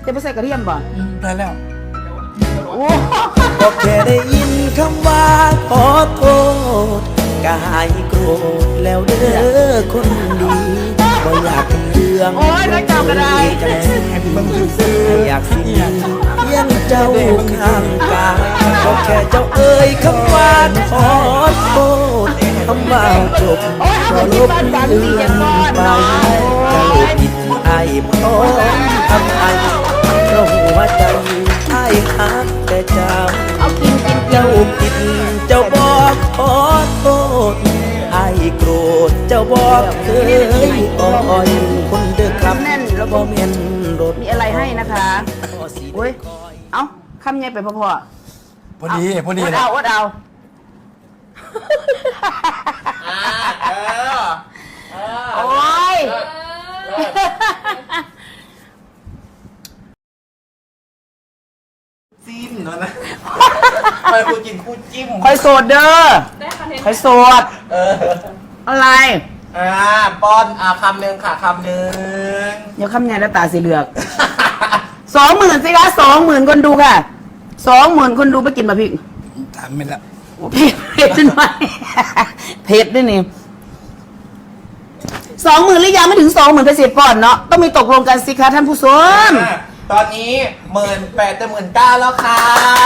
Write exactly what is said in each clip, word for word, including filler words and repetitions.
จะไปใส่กระเทียมบ่ได้แล้วโอ้ก็แค่ได้ยินคำว่าขอโทษก็หายโกรธแล้วเด้อคนดีบ่อยากเป็นเรื่องโอ้ยนักเจ้าก็ได้ให้เบิ่งซื่อๆอยากสิมีเพียงเจ้าข้างกายก็แค่เจ้าเอ่ยคำว่าขอโทษคำว่าจบก็ลบเลือนไปจะลบผิดไอ้พร้อมทำไอ้เพราะหัวใจไอ้หักแต่เจ้าเอากินกินกินเจ้าผิดเจ้าบอกขอโทษไอ้โกรธเจ้าบอกเคยอ่อยคนเด้อครับแน่นแล้วบ่ก็แม่นรถมีอะไรให้นะคะโอ้ยเอ้าคำไงไปพ่อพ่อพอดีพอดีอดนะเอาอดเอาอ่าเออเออโอ้ยจิ้มเนาะนะไปคู่กินคู่จิ้มคอยโสดเด้อคอยโสดเอออะไรอ่าป้อนอ่าคำหนึ่งค่ะคำหนึ่งเดี๋ยวคำไงแล้วตาสีเหลือกสองหมื่นสิคะสองหมื่นคนดูค่ะสองหมื่นคนดูไปกินมาพี่ถามไม่ละโอ้เผ็ดเผ็ดขึ้นไหมเผ็ดด้วยนี่สองหมื่นหรือยังไม่ถึงสองหมื่นไปเสียก่อนเนาะต้องมีตกลงกันสิคะท่านผู้ชมอ่าตอนนี้หมื่นแปดจะหมื่นเก้าแล้วค่ะ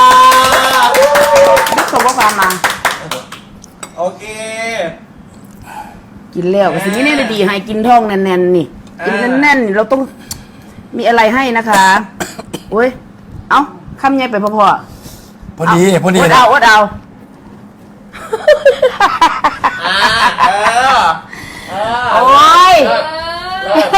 นี่ส่งข้อความมาโอเคกินแล้วก็สิ่งนี้เนี่ยดีให้กินท้องแน่นๆนี่กินแน่นๆเราต้องมีอะไรให้นะคะโอ้ยเอ้าคำไงไปพ่อพ่อพอดีพอดีอดนะเอาอดเอาอ่าเออเออโอ้ยเลิศเลิศ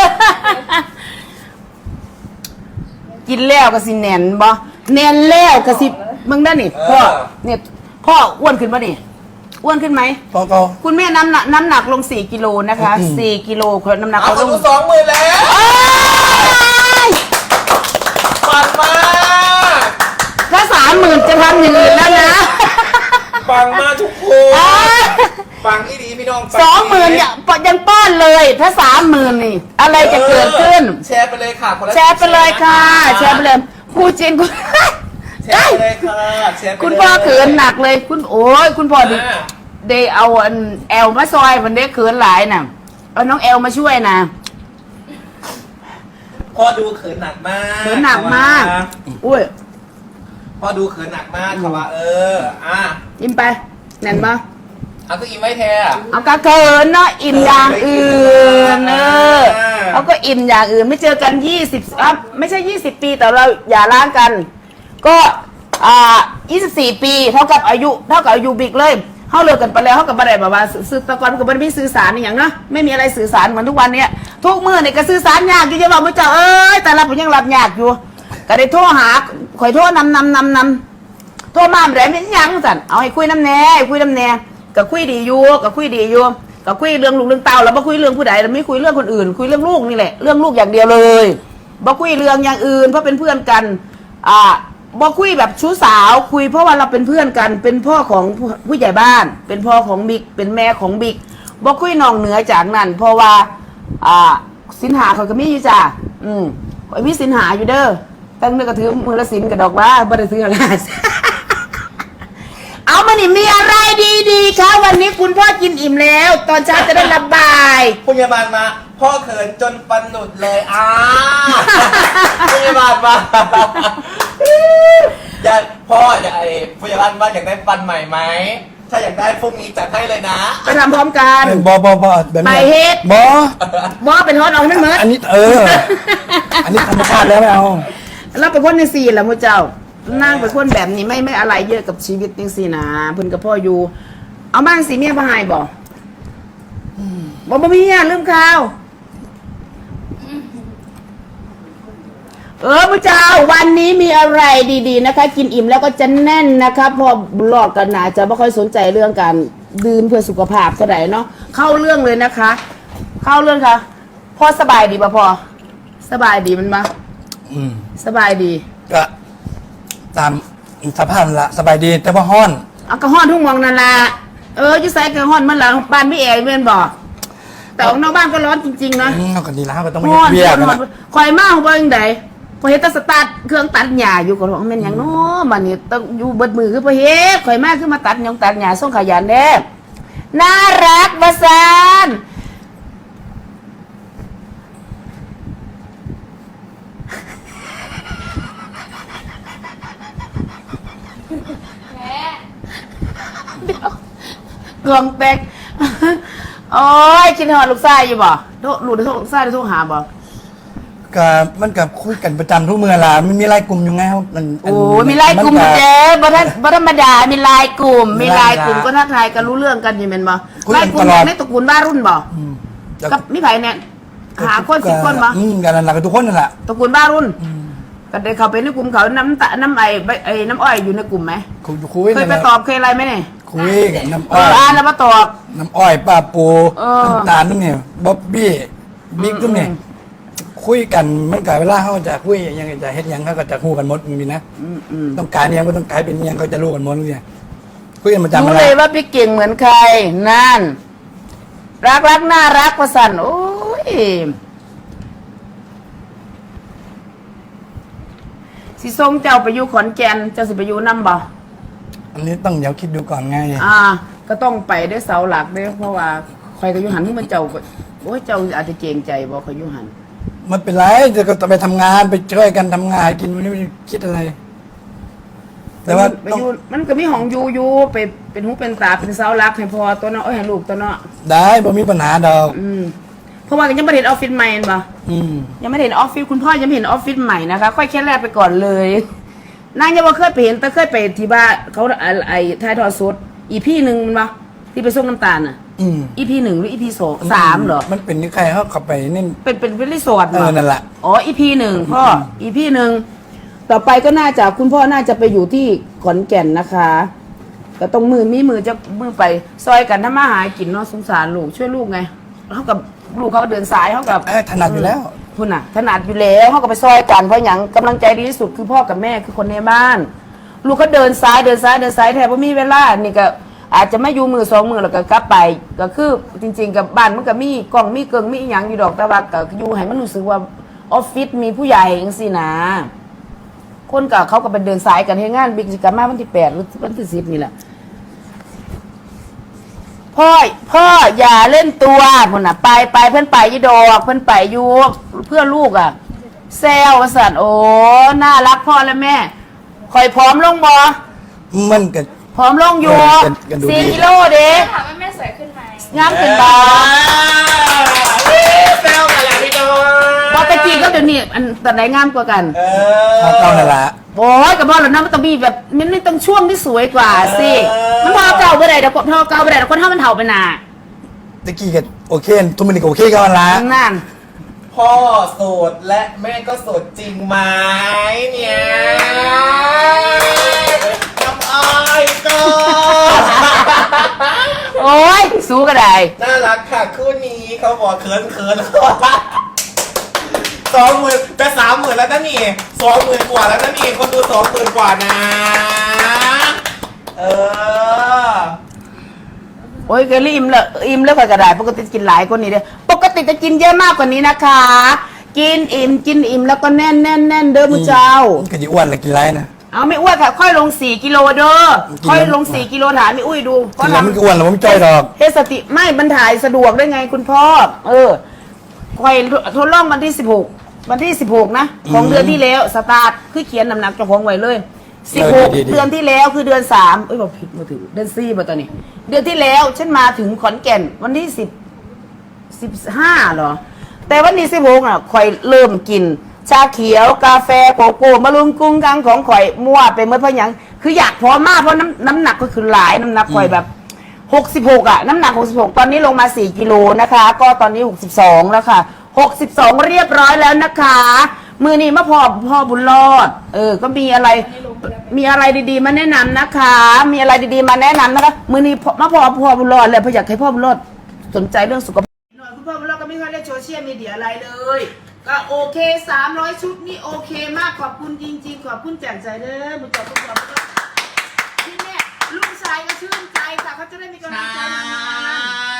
กินแล้วก็สิแน่นบ่แน่นแล้วก็สิมึงได้นี่พ่อเนี่ยพ่ออ้วนขึ้นป่ะนี่อ้วนขึ้นไหมก็ก็คุณแม่น้ำหนักน้ำหนักลงสี่กิโลนะคะสี่กิโลคนน้ำหนักเอาเขาคลนงดูสองหมื่นแล้วเอ้ยปังมากถ้าสามหมื่นจะทำอย่างอื่นแล้วนะปังมากทุกคนเอ้ยปังที่ดีพี่น้องปัสองหมื่นที่ดียังยังป้อนเลย ถ้าสามหมื่นนี่ อะไรจะเกิดขึ้นแชร์ไปเลยค่ะคนละแชร์ไปเลยค่ะ แชร์ไปเลยคู่จีนคุณแชร์ไปเลยค่ะแชร์ไปเลยคุณพ่อเขินหนักเลย คุณโอ้ยคุณพ่อดิอ่าเดย์เอาอันแอลมาซอยมันได้เขินหลายน่ะเอาน้องแอลมาช่วยนะพ่อดูเขินหนักมากเขินหนักมากอุ้ยพ่อดูเขินหนักมากค่ะว่าเอออ่ะอิ่มไปแน่นปะเอาก็อิ่มไว้แท้เอาก็เขินเนาะอิ่มอย่างอื่นเออเอาก็อิ่มอย่างอื่นไม่เจอกันยี่สิบอ่ะไม่ใช่ยี่สิบปีแต่เราอย่าล้างกัน ก็อ่ายี่สิบสี่ปีเท่ากับอายุเท่ากับอายุบิ๊กเลยเขาเลิกกันไปแล้วเขากับอะไรแบบว่าสื่อตะกอนกับมันไม่สื่อสารอย่างเนาะไม่มีอะไรสื่อสารเหมือนทุกวันเนี้ยทุกมื่อเนี่ยก็สื่อสารยากอยู่จะบอกไม่เจ้าเอ้ยแต่เราผมยังรับยากอยู่ก็ได้โทรหาข่อยโทรนำนำนำนำโทรมาแบบนี้ยังสั่นเอาให้คุยน้ำแน่ให้คุยน้ำแน่ก็คุยดีอยู่ก็คุยดีอยู่ก็คุยเรื่องลูกเรื่องเต้าแล้วบ่คุยเรื่องผู้ใดเราไม่คุยเรื่องคนอื่น คุยเรื่องลูกนี่แหละเรื่องลูกอย่างเดียวเลยบ่คุยเรื่องอย่างอื่นเพราะเป็นเพื่อนกันอ่าบ่คุยแบบชู้สาวคุยเพราะว่าเราเป็นเพื่อนกัน เป็นพ่อของผู้ใหญ่บ้าน เป็นพ่อของบิ๊กเป็นแม่ของบิ๊กบ่คุยนองเหนือจากนั้น เพราะว่าอ่าสินหาเขาก็มีอยู่จ้ะอืมไอ้มีสินหาอยู่เด้อตั้งเนื้อกระถือมือละสินกับดอกว่าบ่ได้ซื้ออะไร เอามานี่มีอะไรดีๆคะวันนี้คุณพ่อกินอิ่มแล้ว ตอนเช้าจะได้ระบายพยาบาลมา พ่อเขินจนฟันหลุดเลยอ่าพยาบาลมาอยากพ่ออยากไอ้พยาบาลมาอยากได้ฟันใหม่ไหมถ้าอยากได้พรุ่งนี้จัดให้เลยนะไปทำพร้อมกันบอบอบอแบบไปนี้เฮ็ดบอบอเป็นฮอตเอาให้มันเหมือนอันนี้เออ อันนี้ธรรมชาติแล้วไม่เอาเราเป็นคนในสี่แหละมูเจ้านั่งเป็นคนแบบนี้ไม่ไม่อะไรเยอะกับชีวิตจริงสินะเพิ่นกับพ่ออยู่ เอาบ้านสีเมียบ่หายบ่บ่บ่มีเมียลืมข่าว เออพระเจ้าวันนี้มีอะไรดีๆนะคะ กินอิ่มแล้วก็จะแน่นนะคะพอหลอกกันหนาจะไม่ค่อยสนใจเรื่องการดื่มเพื่อสุขภาพเท่าไหร่เนาะเข้าเรื่องเลยนะคะ เข้าเรื่องค่ะพ่อสบายดีป่ะพ่อสบายดีมันปะอืมสบายดีก็ตามสภาพละสบายดีแต่ว่าห้อนเอากระห้อนทุ่งมองนั่นละเออจะใส่กระห้อนมันหลังบ้านพี่เอ๋เพื่อนบอกแต่ของนอกบ้านก็ร้อนจริงๆนะอืมเอากันดีแล้วก็ต้องไม่ห้อนเบี้ยกันห้อนนะคอยมากของเบิ้งใดพอเห็นแตสตาร์ทเครื่องตัดหญ้าอยู่ก็ร้องแม่นหยังเนาะบัดนี้ต้องอยู่เบิดมือคือพอเฮ็ดข่อยมาคือมาตัดหยังตัดหญ้าส่งขยันเด้น่ารักว่าซั่นกองแตกโอ้ยคิดฮอดลูกชายอยู่บ่โทรลูกได้โทรลูกชายได้โทรหาบ่ก็มันกับคุยกันประจำทุกเมื่อล่ะมันมีไลน์กลุ่มอยู่ไงครับมันโอ้มีไลน์กลุ่มอยู่เด้บ่ทันบ่ธรรมดามีไลน์กลุ่มมีไลน์กลุ่มก็ทักทายกันรู้เรื่องกันอยู่แม่นบ่ไลน์กลุ่มในตระกูลบ้ารุ่นบ่กับมีไผเนี่ยหาคนสิบคนบ่อืมกันนั่นล่ะกับทุกคนนั่นแหละตระกูลบ้ารุ่นก็ได้เข้าไปในกลุ่มเขาน้ำตาน้ำไอ้ไอ้น้ำอ้อยอยู่ในกลุ่มไหมคุยคุยเคยไปตอบเคยอะไรไหมเนี่ยคุยกับน้ำเออ้ออย อ่านแล้วมาตอบน้ำอ้อยป้าปูเออน้ำตาลนั่นเนี่ยบ๊อบบี้บิ๊กตุ้มเนี่ยคุยกันมันกับเวลาเขาจะคุยยังไงจะเฮ็ดยังเขาก็จะคู่กันหมดมีนะอืมอืมต้องการยังก็ต้องการเป็นยังเขาจะรู้กันหมดเนี่ยคุยกันประจำรู้อะไรเลยว่าพี่เก่งเหมือนใครนั่นรักรักน่ารักประสันโอ้ยสิทรงเจ้าไปอยู่ขอนแก่นเจ้าสิไปอยู่น้ำบ่อันนี้ต้องเดี๋ยวคิดดูก่อนไงอ่า ก็ต้องไปได้เสาหลักได้เพราะว่าใครก็อยู่หันที่มันเจ้าก็โอ้ยเจ้าอาจจะเกรงใจบ่เขาอยู่หันมันเป็นไรจะก็ไปทำงานไปช่วยกันทำงานกินวันนี้ไม่ได้คิดอะไร แต่ว่าไปต้องอยู่มันก็มีห้องอยู่อยู่ไปเป็นหูเป็นตาเป็นเสาหลักให้พอตัวเนาะเอ้ยให้ลูกตัวเนาะได้บ่มีปัญหาดอกอืมเพราะว่ายังไม่ได้เห็นออฟฟิศใหม่เห็นปะอืมยังไม่ได้เห็นออฟฟิศคุณพ่อยังไม่เห็นออฟฟิศใหม่นะคะค่อยแค่แรกไปก่อนเลยนางยังบ่เคยไปเห็นแต่เคยไปที่บ้านเขาไอ้ไอ้ทายทอดสดอีพี่หนึ่งมันปะที่ไปส่งน้ำตาลอ่ะอืมอีพีหนึ่งหรืออีพีสองสามเหรอมันเป็นนี่ใครเขาเข้าไปนี่เป็นเป็นเป็นรีสอร์ทเหรเออนั่นแหละอ๋ออีพีหนึ่งพ่ออีพีหนึ่งต่อไปก็น่าจะคุณพ่อน่าจะไปอยู่ที่ขอนแก่นนะคะก็ต้องมือมีมือจะมือไปซอยกันถ้ามาหากินเนาะสงสารลูกช่วยลูกไงเขากับลูกเขาเดินสายเขากับเอ้ยถนัดอยู่แล้วคุณน่ะถนัดอยู่แล้วเขาก็ไปซอยกันเพราะอย่างกำลังใจดีที่สุดคือพ่อกับแม่คือคนในบ้าน ลูกเขาเดินซ้ายเดินซ้ายเดินซ้ายแทบว่ามีเวลานี่ก็อาจจะไม่อยู่มือสองมือแล้วก็กลับไปก็คือจริงๆกับบ้านมันก็มีกล่องมีเกิงมีอหย่างอยู่ดอกแต่ว่าก็อยู่ให้มันรู้สึกว่าออฟฟิศมีผู้ใหญ่จังซี่นะคนกับเขาก็ไปเดินสายกันให้งานบิ๊กสิกรรมมาวันที่แปดหรือวันที่สิบนี่แหละพ่อพ่ออย่าเล่นตัวพุ่นน่ะไปไปเพื่อนไปยี่ดอกเพื่อนไปอยู่เพื่อลูกอ่ะแซวว่าสันโอ้น่ารักพ่อและแม่คอยพร้อมลงบอมันก็พร้อมลงอยู่เออกันดูดีสี่กิโลเด้ถามว่าแม่สวยขึ้นไหมงามขึ้นบอแซวกันแหละพี่น้องบอตะกี้ก็เดี๋ยวนี้อันตอนไหนงามกว่ากันเอเอาอเก้านั่นแหละโอ้ยกับบอลแล้วนะมันต้องมีแบบมันไม่ต้องช่วงที่สวยกว่าสิเออมันพอเก่าไปไหนเดี๋ยวพอเก่าไปไหนเดี๋ยวคนเท่ามันเถ่าไปหนาตะกี้ก็โอเคทุกมันก็โอเคกันละนั่นพ่อโสดและแม่ก็โสดจริงไหมเนี่ยน้ำอ้อยก็โอ้ยสู้ก็ได้น่ารักค่ะคู่นี้เขาบอกเขินเขินสองหมื่นจะสามหมื่นแล้วนะนี่สองหมื่นกว่าแล้วนะนี่คนดูสองหมื่นกว่านะ เออโอ้ยเกลี่อิ่มแล้วอิ่มแล้วก็กระไดปกติกินหลายกว่านี้เด้อปกติจะกินเยอะมากกว่านี้นะคะ กินอิ่มกินอิ่มแล้วก็แน่นแน่นแน่นเด้อมุเจ้ามันก็จะอ้วนและกินไรนะเอาไม่อ้วนค่ะ ค่อยลงสี่กิโลเด้อกินแล้วค่อยลงสี่กิโลถามไม่อุ้ยดูกินแล้วมันก็อ้วนแล้วมันจ้อยดอกเฮสติไม่บรรถ่ายสะดวกได้ไงคุณพ่อ เออค่อยทดลองวันที่สิบหกวันที่สิบหกนะของเดือนที่แล้วสตาร์ทคือเขียนน้ำหนักเจ้าของไว้เลยสิบหกเดือนที่แล้วคือเดือนสามเอ้ยบอกผิดมาถึงเดือนสี่มาตอนนี้ เดือนที่แล้วฉันมาถึงขอนแก่นวันที่สิบสิบห้าเหรอ แต่วันนี้สิบหกอ่ะข่อยเริ่มกิน ชาเขียวกาแฟโกโก้มะรุมกุ้งกังของข่อยมั่วไปเมื่อเพราะหยังคืออยากพร้อมมากเพราะน้ำน้ำหนักก็คือหลายน้ำหนักข่อยแบบหกสิบหกอ่ะน้ำหนักหกสิบหกตอนนี้ลงมาสี่กิโลนะคะ ก็ตอนนี้หกสิบสองแล้วค่ะหกสิบสองเรียบร้อยแล้วนะคะ มือนี้มาพอพ่อบุญรอด เออ ก็มีอะไร มีอะไรดีๆมาแนะนำนะคะ มีอะไรดีๆมาแนะนำนะคะ มือนี้มาพอพ่อบุญรอดเลยเพราะอยากให้พ่อบุญรอดสนใจเรื่องสุขภาพหน่อยคุณพ่อบุญรอดก็ไม่ค่อยเล่นโซเชียลมีเดียอะไรเลย ก็โอเคสามร้อยชุดนี่โอเคมากขอบคุณจริงๆขอบคุณแจ่มใจเด้อบุญจบบุญจบบุญจบที่แม่ลูกชายก็ชื่นใจค่ะเขาจะได้มีกำลังใจทำงาน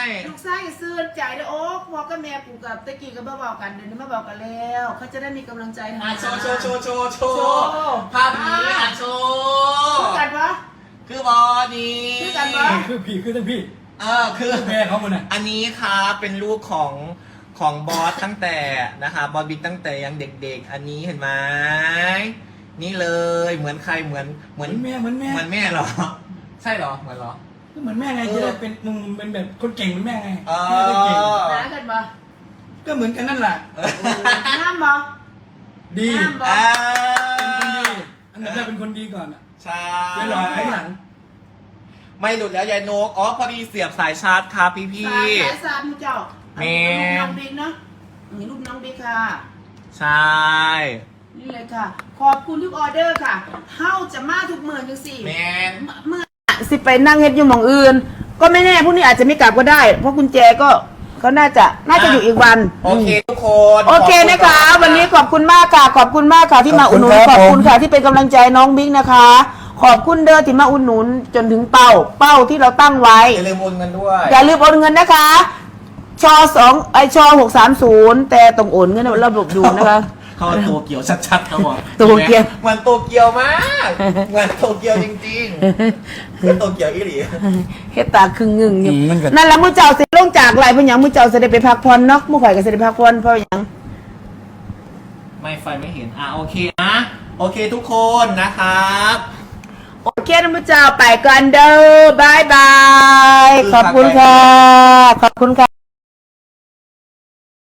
ลูกชายก็ซื้อใจเด้อโอ๊กพ่อกับแม่กูกับตะกี้ก็มาบอกกันเดี๋ยวนี้มาบอกกันแล้วเขาจะได้มีกำลังใจทำอ่ะงานโชว์โชว์โชว์โชว์โชโชว์ว์ภาพนี้อ่ะโชว์คือกันวะคือบอนี้คือกันปะคือพี่คือทั้งพี่เออคือแม่เขาหมดน่ะอันนี้ครับเป็นลูกของของบอสตั้งแต่นะคะบอสบิ๊กตั้งแต่ยังเด็กๆ อันนี้เห็นไหมนี่เลยเหมือนใครเหมือนเหเหมืมืออนนแม่เหมือนแม่เหมือนแม่เหรอ ใช่เหรอเหมือนเหรอก็เหมือนแม่ไงจะได้เป็นมึงเป็นแบบคนเก่งเหมือนแม่ไงเออแม่ก็เก่งน้ากันปะก็เหมือนกันนั่นแหละน้ำปะดีน้ำปะอ่าอันดับแรกเป็นคนดีก่อนอะใช่เดี๋ยวรอไอ้หลังไม่หลุดแล้วยายนกอ๋อพอดีเสียบสายชาร์จครับพี่พี่สายสายสามเจ้าแม่รูปน้องบิ๊กเนาะนี่รูปน้องบิ๊กค่ะใช่นี่เลยค่ะ ขอบคุณทุกออเดอร์ค่ะเฮ้าจะมาทุกหมื่นจังสี่แมนเมื่อสิไปนั่งเฮ็ดอยู่หมองอื่น ก็ไม่แน่พรุ่งนี้อาจจะไม่กลับก็ได้ เพราะกุญแจก็ก็น่าจะน่าจะอยู่อีกวันโอเคทุกคนโอเคนะคะ วันนี้ขอบคุณมากค่ะ ขอบคุณมากค่ะที่มาอุดหนุนขอบคุณค่ะที่เป็นกำลังใจน้องบิ๊กนะคะ ขอบคุณเด้อที่มาอุดหนุนจนถึงเป้า เป้าที่เราตั้งไว้อย่าลืมโอนเงินด้วยอย่าลืมโอนเงินนะคะ ชอสองไอชอหกสามศูนย์แต่ต้องโอนเงินระบบดูนะคะเขาตัวเกียวชัดๆเขาบอกโตเกียวเหมือนโตเกียวมากเหมือนโตเกียวจริงๆคือโตเกียวอีหลีเฮ็ดตาครึ่งงึงอยู่อืมมันก็นั่นแหละมื้อเจ้าสิลงจากไหลเพิ่นหยังมื้อเจ้าสิได้ไปพักผ่อนเนาะมื้อข่อยก็สิได้พักผ่อนเพราะหยังไม่ไฟไม่เห็นอ่ะโอเคนะโอเคทุกคนนะครับโอเคนะมื้อเจ้าไปก่อนเด้อบายบายขอบคุณค่ะ ขอบคุณค่ะ